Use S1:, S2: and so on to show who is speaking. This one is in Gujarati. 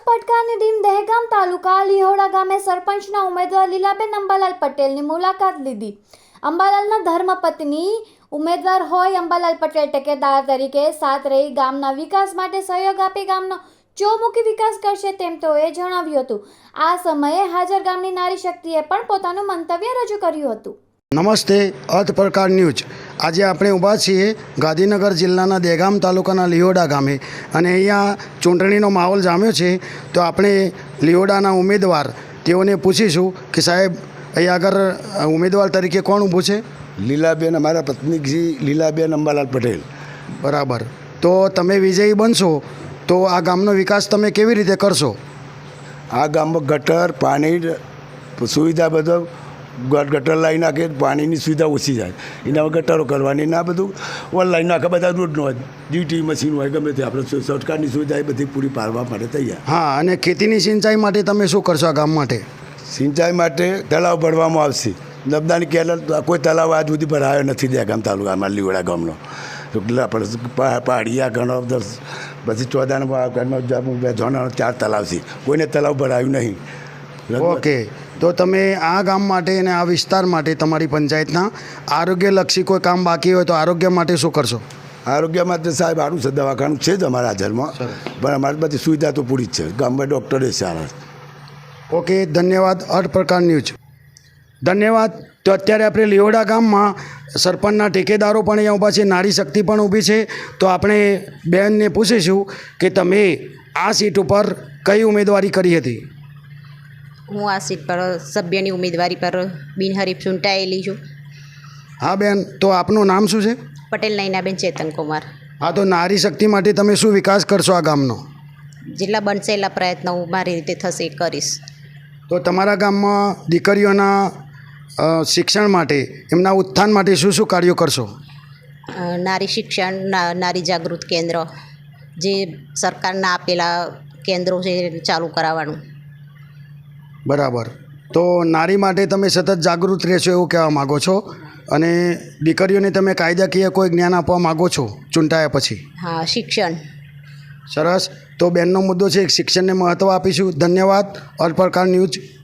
S1: પડકારની ટીમ દહેગામ તાલુકા લીહોડા ગામે સરપંચના ઉમેદવાર લીલાબેન અંબાલાલ પટેલની મુલાકાત લીધી. અંબાલાલના ધર્મપત્ની ઉમેદવાર હોય અંબાલાલ પટેલ ટેકેદાર તરીકે સાથ રહી ગામના વિકાસ માટે સહયોગ આપી ગામનો ચોમુખી વિકાસ કરશે તેમ તેઓએ જણાવ્યું હતું. આ સમયે હાજર ગામની નારી શક્તિએ પણ પોતાનું મંતવ્ય રજૂ કર્યું હતું.
S2: નમસ્તે, અર્થ પ્રકાર ન્યૂઝ. આજે આપણે ઊભા છીએ ગાંધીનગર જિલ્લાના દહેગામ તાલુકાના લીહોડા ગામે અને અહીંયા ચૂંટણીનો માહોલ જામ્યો છે. તો આપણે લીહોડાના ઉમેદવાર તેઓને પૂછીશું કે સાહેબ અહીંયા આગળ ઉમેદવાર તરીકે કોણ ઊભું છે?
S3: લીલાબેન, અમારા પત્ની શ્રી લીલાબેન અંબાલાલ પટેલ.
S2: બરાબર. તો તમે વિજયી બનશો તો આ ગામનો વિકાસ તમે કેવી રીતે કરશો?
S3: આ ગામમાં ગટર, પાણી સુવિધા બધો ગટર લાવી નાખે, પાણીની સુવિધા ઓછી જાય એના ગટરો કરવાની ના બધું ઓનલાઈન નાખે, બધા રોડનું હોય, જીટી મશીન હોય, ગમે તે આપણે સરકારની સુવિધા એ બધી પૂરી પાડવા માટે તૈયાર.
S2: હા, અને ખેતીની સિંચાઈ માટે તમે શું કરશો આ ગામ માટે?
S3: સિંચાઈ માટે તળાવ ભરવામાં આવશે. નર્મદાની કેનાલ કોઈ તળાવ આજ સુધી ભરાયો નથી દહેગામ તાલુકામાં લીહોડા ગામનો. પહાડિયા ઘણો પછી ચોદાના જોના 4 તળાવ છે, કોઈને તળાવ ભરાયું નહીં.
S2: ઓકે, તો તમે આ ગામ માટે અને આ વિસ્તાર માટે તમારી પંચાયતના આરોગ્યલક્ષી કોઈ કામ બાકી હોય તો આરોગ્ય માટે શું કરશો?
S3: આરોગ્ય માટે સાહેબ સારું છે, દવાખાનું છે જ અમારા હાજરમાં, પણ અમારી બધી સુવિધા તો પૂરી જ છે. ગામમાં ડૉક્ટરે સારા.
S2: ઓકે, ધન્યવાદ. અર્થ પ્રકાર ન્યૂઝ. ધન્યવાદ. તો અત્યારે આપણે લીહોડા ગામમાં સરપંચના ઠેકેદારો પણ અહીંયા ઊભા છે, નારી શક્તિ પણ ઊભી છે. તો આપણે બહેનને પૂછીશું કે તમે આ સીટ ઉપર કઈ ઉમેદવારી કરી હતી?
S4: હું આ સીટ પર સભ્યની ઉમેદવારી પર બિનહરીફ ચૂંટાયેલી છું.
S2: હા બેન, તો આપનું નામ શું છે?
S4: પટેલ નયનાબેન ચેતનકુમાર.
S2: હા, તો નારી શક્તિ માટે તમે શું વિકાસ કરશો આ ગામનો?
S4: જેટલા બનશે એટલા પ્રયત્નો હું મારી રીતે થશે એ કરીશ.
S2: તો તમારા ગામમાં દીકરીઓના શિક્ષણ માટે, એમના ઉત્થાન માટે શું શું કાર્યો કરશો?
S4: નારી શિક્ષણ, નારી જાગૃત કેન્દ્ર, જે સરકારના આપેલા કેન્દ્રો છે ચાલુ કરાવવાનું.
S2: બરાબર. તો નારી માટે તમે સતત જાગૃત રહેશો એવું કહેવા માગો છો અને દીકરીઓને તમે કાયદાકીય કોઈ જ્ઞાન આપવા માગો છો ચૂંટાયા પછી?
S4: હા, શિક્ષણ.
S2: સરસ. તો બેનનો મુદ્દો છે, શિક્ષણને મહત્ત્વ આપીશું. ધન્યવાદ. અર્થ પ્રકાર ન્યૂઝ.